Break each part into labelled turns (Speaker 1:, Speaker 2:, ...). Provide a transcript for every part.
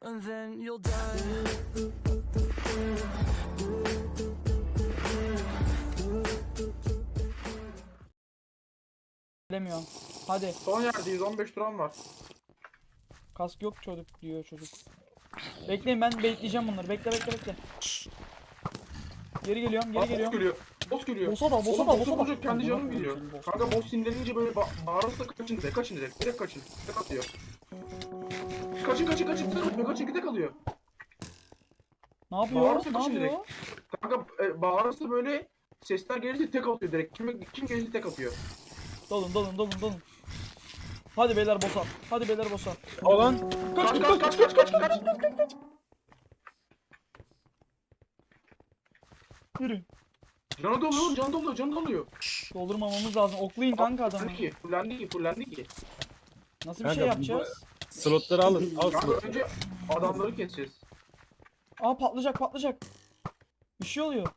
Speaker 1: and then you'll die.
Speaker 2: Bilemiyorum. Hadi.
Speaker 3: Son yerdeyiz, 15 turan var.
Speaker 2: Kask yok çocuk diyor çocuk. Bekleyin, ben bekleyeceğim bunları. Bekle. Geri geliyorum.
Speaker 3: Boss geliyor. Boss geliyor.
Speaker 2: Boss'a da.
Speaker 3: Oğlum boss'u vuracak, kendi
Speaker 2: Amına
Speaker 3: canım
Speaker 2: koyayım
Speaker 3: gidiyor.
Speaker 2: senin boss.
Speaker 3: Kanka boss sinirlenince böyle bağırırsa kaçın direkt. Direkt kaçın. Tek atıyor. Kaçın, tek alıyor.
Speaker 2: Ne yapıyor?
Speaker 3: Bağırırsa
Speaker 2: Ne
Speaker 3: kaçın
Speaker 2: yapıyor?
Speaker 3: direkt. Kanka bağırırsa böyle sesler gelirse tek atıyor direkt. Kim gelirse tek atıyor.
Speaker 2: Dolun. Hadi beyler boss'a.
Speaker 4: Olan
Speaker 3: Kaç.
Speaker 2: Yürü.
Speaker 3: Canı doluyor.
Speaker 2: Doldurmamamız lazım. Oklayın kanka adamı.
Speaker 3: Fullendi ki.
Speaker 2: Nasıl bir
Speaker 4: Kanka,
Speaker 2: şey yapacağız?
Speaker 4: slotları alın. Al
Speaker 3: Kanka
Speaker 4: slotları.
Speaker 3: önce adamları keseceğiz.
Speaker 2: Aa patlayacak. Bir şey oluyor.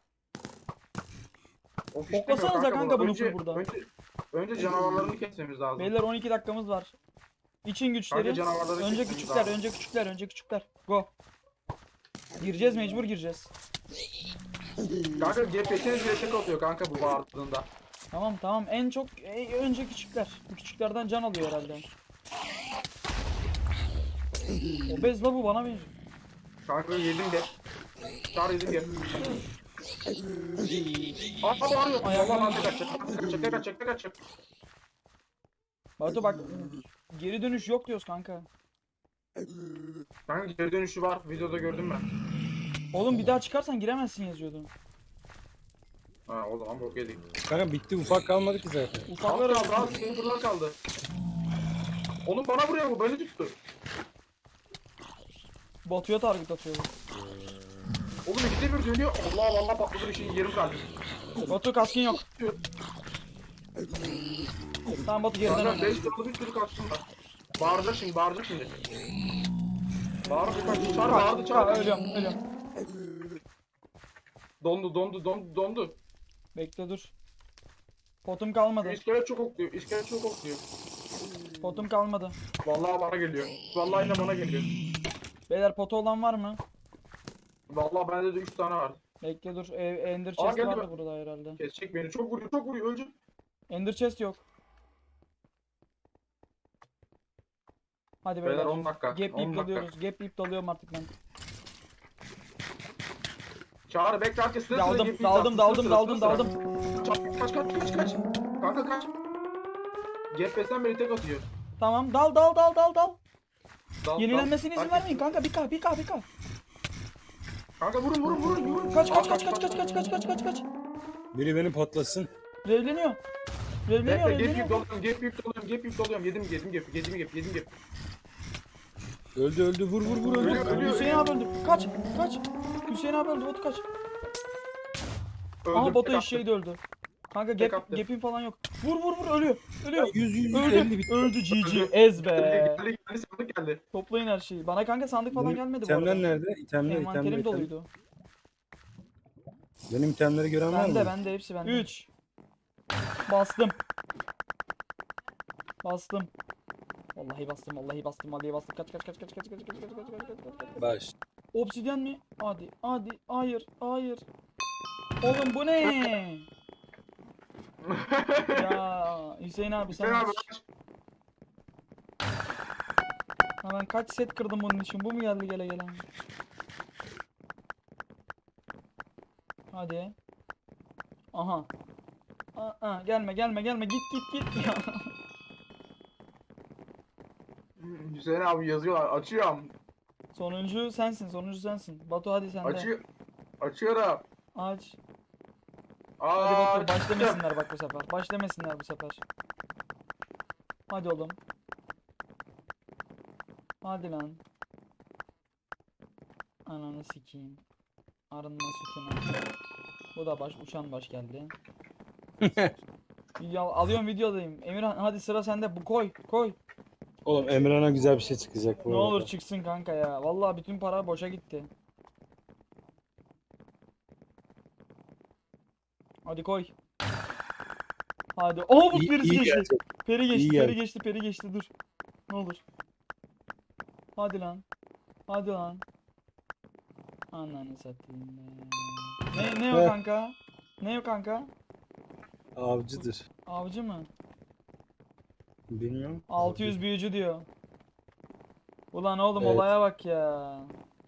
Speaker 3: O fişlemiyor
Speaker 2: Oklasanıza kanka bunu
Speaker 3: Önce-
Speaker 2: full burada.
Speaker 3: Önce canavarlarını kesmemiz lazım.
Speaker 2: Beyler 12 dakikamız var. İçin güçleri.
Speaker 3: Kanka canavarları
Speaker 2: Önce
Speaker 3: kesmemiz
Speaker 2: küçükler,
Speaker 3: lazım.
Speaker 2: önce küçükler. Go. Mecbur gireceğiz.
Speaker 3: Kanka GPS'niz bile tek atıyor kanka bu bağırdığında.
Speaker 2: Tamam. En çok önce küçükler. Bu küçüklerden can alıyor herhalde. Obez la bu, bana benziyor.
Speaker 3: Kanka yedim de. Çağır yedim de. Aa bağırıyor.
Speaker 2: Ayaklarım-
Speaker 3: Valla tek atacak.
Speaker 2: Batu bak, geri dönüş yok diyoruz kanka.
Speaker 3: Kanka geri dönüşü var. Videoda gördüm ben.
Speaker 2: Oğlum bir daha çıkarsan giremezsin yazıyordu.
Speaker 3: Ha o zaman bok yedik.
Speaker 4: Kanka bitti, ufak kalmadı ki zaten.
Speaker 2: Ufaklar
Speaker 3: Kaldı kaldı. Sniper'lar kaldı. Oğlum bana vuruyor bu. Beni tuttu.
Speaker 2: Batu'ya target atıyor.
Speaker 3: Oğlum ikide bir dönüyor. Allah patladı bir şey yerim kaldı.
Speaker 2: Batu kaskın yok. Tamam Batu geriden
Speaker 3: Kanka
Speaker 2: oyna.
Speaker 3: 5 tane bir sürü kaçtım var. Bağıracak şimdi. Bağırdı kaç. Çağır.
Speaker 2: Ölüyorum.
Speaker 3: Dondu.
Speaker 2: Bekle dur. Potum kalmadı.
Speaker 3: İskelet çok okluyor.
Speaker 2: Potum kalmadı.
Speaker 3: Vallahi bana geliyor. Vallahi de bana geliyor.
Speaker 2: Beyler potu olan var mı?
Speaker 3: Vallahi bende de 3 tane var.
Speaker 2: Bekle dur. Ender
Speaker 3: Aa,
Speaker 2: chest
Speaker 3: geldi
Speaker 2: vardı
Speaker 3: bak.
Speaker 2: burada herhalde.
Speaker 3: Kesecek beni. Çok vuruyor. Öleceğim.
Speaker 2: Ender chest yok. Hadi beyler.
Speaker 3: Beyler 10 dakika.
Speaker 2: Gap
Speaker 3: 10
Speaker 2: yiyip
Speaker 3: dakika.
Speaker 2: dalıyoruz. Gap yiyip dalıyorum artık ben.
Speaker 3: Çağrı bekle arkasına.
Speaker 2: Daldım.
Speaker 3: Kaç. Kanka kaç. GPS'den beni tek atıyor.
Speaker 2: Tamam dal.
Speaker 3: Dal,
Speaker 2: Yenilenmesine izin
Speaker 3: dal.
Speaker 2: vermeyin kanka. 1K.
Speaker 3: Kanka vurun.
Speaker 2: Kaç.
Speaker 4: Biri beni patlasın.
Speaker 2: Revleniyor.
Speaker 3: Bekle gap yiyip dalıyorum. Yedim gap.
Speaker 4: Öldü, vur öldü.
Speaker 2: Hüseyin abi öldü. Kaç. Hüseyin abi öldü. Batu kaç. Aha
Speaker 3: Öldüm,
Speaker 2: Batu
Speaker 3: tek attı.
Speaker 2: eşeği de öldü. Kanka
Speaker 3: Tek attı.
Speaker 2: gap'in falan yok. Vur ölüyor.
Speaker 4: 150 bitti.
Speaker 2: Öldü GG. Ez be.
Speaker 3: Geldi sandık geldi.
Speaker 2: Toplayın her şeyi. Bana kanka sandık falan gelmedi bu arada.
Speaker 4: İtemler nerede?
Speaker 2: Envanterim doluydu.
Speaker 4: Benim itemleri gören var mı?
Speaker 2: Bende hepsi bende. 3. Bastım. Vallahi bastım. Kaç.
Speaker 4: Baş.
Speaker 2: Obsidyen mi? Hadi. Hayır. Oğlum bu ne? Ya Hüseyin abi sen
Speaker 3: Sen abi
Speaker 2: aç. Ha, ben kaç set kırdım bunun için. Bu mu geldi gele. Hadi. Aha. Gelme. Git. Ya.
Speaker 3: Hüseyin abi yazıyorlar. Açıyorum.
Speaker 2: Sonuncu sensin. Batu hadi sen de.
Speaker 3: Açıyorum.
Speaker 2: Aç.
Speaker 3: Aa,
Speaker 2: Hadi Batu başlamasınlar bak bu sefer. Hadi oğlum. Hadi lan. Ananı sikeyim. Arınma sütuna. Bu da uçan baş geldi. Alıyorum videodayım. Emirhan hadi sıra sende. Bu koy.
Speaker 4: Oğlum Emre'ne güzel bir şey çıkacak bu
Speaker 2: Ne
Speaker 4: arada.
Speaker 2: olur çıksın kanka ya. Vallahi bütün para boşa gitti. Hadi koy. Hadi. Bu
Speaker 4: İyi
Speaker 2: birisi geçti.
Speaker 4: gelecek.
Speaker 2: Peri
Speaker 4: İyi
Speaker 2: geçti dur. Ne olur. Hadi lan. Hadi lan. Ananı satayım be. Ne o
Speaker 4: Heh.
Speaker 2: kanka? Ne o kanka?
Speaker 4: Avcıdır.
Speaker 2: Avcı mı?
Speaker 4: Bilmiyorum.
Speaker 2: 600 büyücü diyor. Ulan oğlum
Speaker 4: Evet.
Speaker 2: olaya bak ya.